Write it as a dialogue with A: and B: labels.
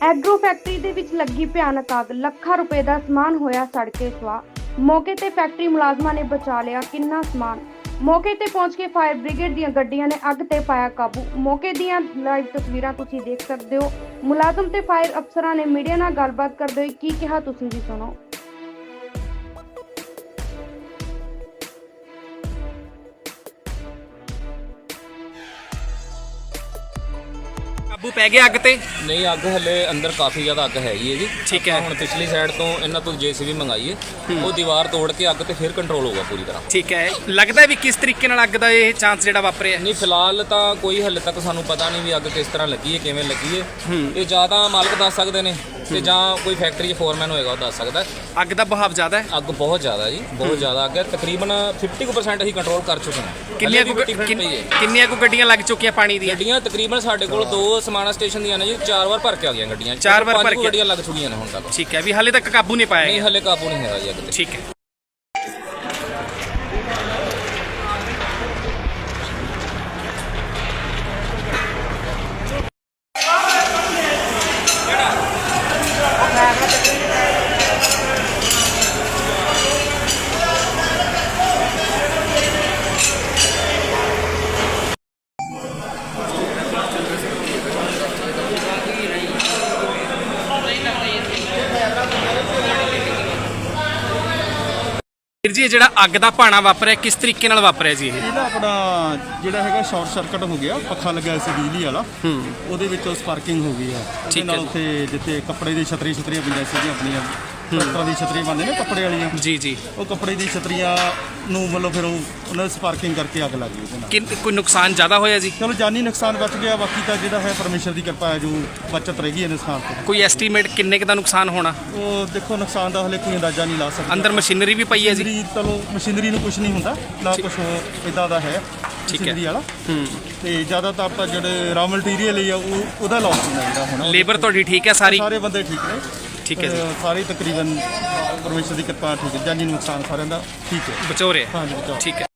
A: Agro factory ਦੇ ਵਿੱਚ ਲੱਗੀ ਭਿਆਨਕ ਅੱਗ, ਲੱਖਾਂ ਰੁਪਏ ਦਾ ਸਮਾਨ ਹੋਇਆ ਸੜ ਕੇ ਸੁਆਹ। ਮੌਕੇ ਤੇ ਫੈਕਟਰੀ ਮੁਲਾਜ਼ਮਾਂ ਨੇ ਬਚਾ ਲਿਆ ਕਿੰਨਾ ਸਮਾਨ। ਮੌਕੇ ਤੇ ਪਹੁੰਚ ਕੇ ਫਾਇਰ ਬ੍ਰਿਗੇਡ ਦੀਆਂ ਗੱਡੀਆਂ ਨੇ ਅੱਗ ਤੇ ਪਾਇਆ ਕਾਬੂ। ਮੌਕੇ ਦੀਆਂ ਲਾਈਵ ਤਸਵੀਰਾਂ ਤੁਸੀਂ ਦੇਖ ਸਕਦੇ ਹੋ। ਮੁਲਾਜ਼ਮ ਤੇ ਫਾਇਰ ਅਫਸਰਾਂ ਨੇ ਮੀਡੀਆ ਨਾਲ ਗੱਲਬਾਤ ਕਰਦੇ ਹੋਏ ਕੀ ਕਿਹਾ, ਤੁਸੀਂ ਵੀ ਸੁਣੋ।
B: ਕਾਬੂ ਪੈ ਗਿਆ ਅੱਗ ਤੇ?
C: ਨਹੀਂ, ਅੱਗ ਹਲੇ ਅੰਦਰ ਕਾਫੀ ਜ਼ਿਆਦਾ ਅੱਗ ਹੈਗੀ ਹੈ ਜੀ।
B: ਠੀਕ ਹੈ।
C: ਹੁਣ ਪਿਛਲੀ ਸਾਈਡ ਤੋਂ ਇਹਨਾਂ ਤੋਂ ਜੇਸੀਬੀ ਮੰਗਾਈ ਹੈ, ਉਹ ਦੀਵਾਰ ਤੋੜ ਕੇ ਅੱਗ ਤੇ ਫਿਰ ਕੰਟਰੋਲ ਹੋਊਗਾ ਪੂਰੀ ਤਰ੍ਹਾਂ।
B: ਠੀਕ ਹੈ। ਲੱਗਦਾ ਵੀ ਕਿਸ ਤਰੀਕੇ ਨਾਲ ਅੱਗ ਦਾ ਇਹ ਚਾਂਸ ਜਿਹੜਾ ਵਾਪਰਿਆ?
C: ਨਹੀਂ, ਫਿਲਹਾਲ ਤਾਂ ਕੋਈ ਹਲੇ ਤੱਕ ਸਾਨੂੰ ਪਤਾ ਨਹੀਂ ਵੀ ਅੱਗ ਕਿਸ ਤਰ੍ਹਾਂ ਲੱਗੀ ਹੈ, ਕਿਵੇਂ ਲੱਗੀ ਹੈ। ਇਹ ਜਾਂ ਤਾਂ ਮਾਲਕ ਦੱਸ ਸਕਦੇ ਨੇ ਤੇ ਜਾਂ ਕੋਈ ਫੈਕਟਰੀ 'ਚ ਫੋਰਮੈਨ ਹੋਏਗਾ ਉਹ ਦੱਸ ਸਕਦਾ।
B: ਅੱਗ ਦਾ ਬਹਾਵ ਜ਼ਿਆਦਾ ਹੈ?
C: ਅੱਗ ਬਹੁਤ ਜ਼ਿਆਦਾ ਜੀ, ਬਹੁਤ ਜ਼ਿਆਦਾ ਅੱਗ ਹੈ। ਤਕਰੀਬਨ 50% ਅਸੀਂ ਕੰਟਰੋਲ ਕਰ ਚੁੱਕੇ ਹਾਂ।
B: ਕਿੰਨੀਆਂ ਕੁ ਗੱਡੀਆਂ ਲੱਗ ਚੁੱਕੀਆਂ ਪਾਣੀ ਦੀਆਂ?
C: ਗੱਡੀਆਂ ਤਕਰੀਬਨ ਸਾਡੇ ਕੋਲ 2 ਸਮਾਣਾ ਸਟੇਸ਼ਨ ਦੀਆਂ ਨੇ ਜੀ, 4 ਵਾਰ ਭਰ ਕੇ ਆ ਗਈਆਂ ਗੱਡੀਆਂ।
B: 4 ਵਾਰ ਭਰ ਕੇ
C: ਗੱਡੀਆਂ ਲੱਗ ਚੁੱਕੀਆਂ ਨੇ ਹੁਣ ਤੱਕ।
B: ਠੀਕ ਹੈ, ਵੀ ਹਾਲੇ ਤੱਕ ਕਾਬੂ ਨਹੀਂ ਪਾਇਆ?
C: ਨਹੀਂ, ਹਲੇ ਕਾਬੂ ਨਹੀਂ ਹੈਗਾ ਜੀ ਅੱਗ ਤੇ।
B: ਠੀਕ ਹੈ। ਵੀਰ ਜੀ, ਇਹ ਜਿਹੜਾ ਅੱਗ ਦਾ ਭਾਣਾ ਵਾਪਰਿਆ ਕਿਸ ਤਰੀਕੇ ਨਾਲ ਵਾਪਰਿਆ ਜੀ?
D: ਇਹ ਨਾ ਆਪਣਾ ਜਿਹੜਾ ਹੈਗਾ ਸ਼ਾਰਟ ਸਰਕਟ ਹੋ ਗਿਆ, ਪੱਖਾ ਲੱਗਿਆ ਸੀ ਬਿਜਲੀ ਵਾਲਾ, ਉਹਦੇ ਵਿੱਚੋਂ ਸਪਾਰਕਿੰਗ ਹੋ ਗਈ ਆ। ਉਹਦੇ ਨਾਲ ਉੱਥੇ ਜਿੱਥੇ ਕੱਪੜੇ ਦੀ ਛਤਰੀਆਂ ਪਈਆਂ ਸੀਗੀਆਂ ਆਪਣੀਆਂ, ਟਰੈਕਟਰਾਂ ਦੀ ਛਤਰੀਆਂ ਬੰਦੇ ਨੇ ਕੱਪੜੇ ਵਾਲੀਆਂ,
B: ਜੀ ਜੀ,
D: ਉਹ ਕੱਪੜੇ ਦੀ ਛਤਰੀਆਂ ਨੂੰ ਮਤਲਬ ਫਿਰ ਉਹਨਾਂ ਸਪਾਰਕਿੰਗ ਕਰਕੇ ਅੱਗ ਲੱਗ ਗਈ ਉਹਦੇ ਨਾਲ।
B: ਕੋਈ ਨੁਕਸਾਨ ਜ਼ਿਆਦਾ ਹੋਇਆ ਜੀ?
D: ਚਲੋ ਜਾਨੀ ਨੁਕਸਾਨ ਬਚ ਗਿਆ, ਬਾਕੀ ਤਾਂ ਜਿਹੜਾ ਹੈ ਪਰਮੇਸ਼ਰ ਦੀ ਕਿਰਪਾ ਹੈ, ਜੋ ਬਚਤ ਰਹਿ ਗਈ ਹੈ ਨੁਕਸਾਨ ਤੋਂ।
B: ਕੋਈ ਐਸਟੀਮੇਟ ਕਿੰਨੇ ਕੁ ਦਾ ਨੁਕਸਾਨ ਹੋਣਾ?
D: ਉਹ ਦੇਖੋ, ਨੁਕਸਾਨ ਦਾ ਹਲੇ ਕੋਈ ਅੰਦਾਜ਼ਾ ਨਹੀਂ ਲਾ ਸਕਦੇ।
B: ਅੰਦਰ ਮਸ਼ੀਨਰੀ ਵੀ ਪਈ ਹੈ ਜੀ?
D: ਚਲੋ ਮਸ਼ੀਨਰੀ ਨੂੰ ਕੁਝ ਨਹੀਂ ਹੁੰਦਾ, ਨਾ ਕੁਝ ਇਦਾਂ ਦਾ ਹੈ ਮਸ਼ੀਨਰੀ ਵਾਲਾ। ਤੇ ਜ਼ਿਆਦਾਤਰ ਤਾਂ ਜਿਹੜੇ ਰਾ ਮਟੀਰੀਅਲ ਹੀ ਆ ਉਹਦਾ ਲਾਸ ਹੁੰਦਾ ਜਿਹੜਾ ਹੁਣ।
B: ਲੇਬਰ ਤੁਹਾਡੀ ਠੀਕ ਹੈ ਸਾਰੀ?
D: ਸਾਰੇ ਬੰਦੇ ਠੀਕ ਨੇ।
B: ਠੀਕ ਹੈ ਜੀ,
D: ਸਾਰੇ ਤਕਰੀਬਨ ਪਰਮੇਸ਼ਰ ਦੀ ਕਿਰਪਾ ਠੀਕ ਹੈ, ਜਾਨੀ ਨੁਕਸਾਨ ਸਾਰਿਆਂ ਦਾ ਠੀਕ ਹੈ,
B: ਬਚੋ ਰਿਹਾ?
D: ਹਾਂਜੀ ਬਚਾਓ।
B: ਠੀਕ ਹੈ।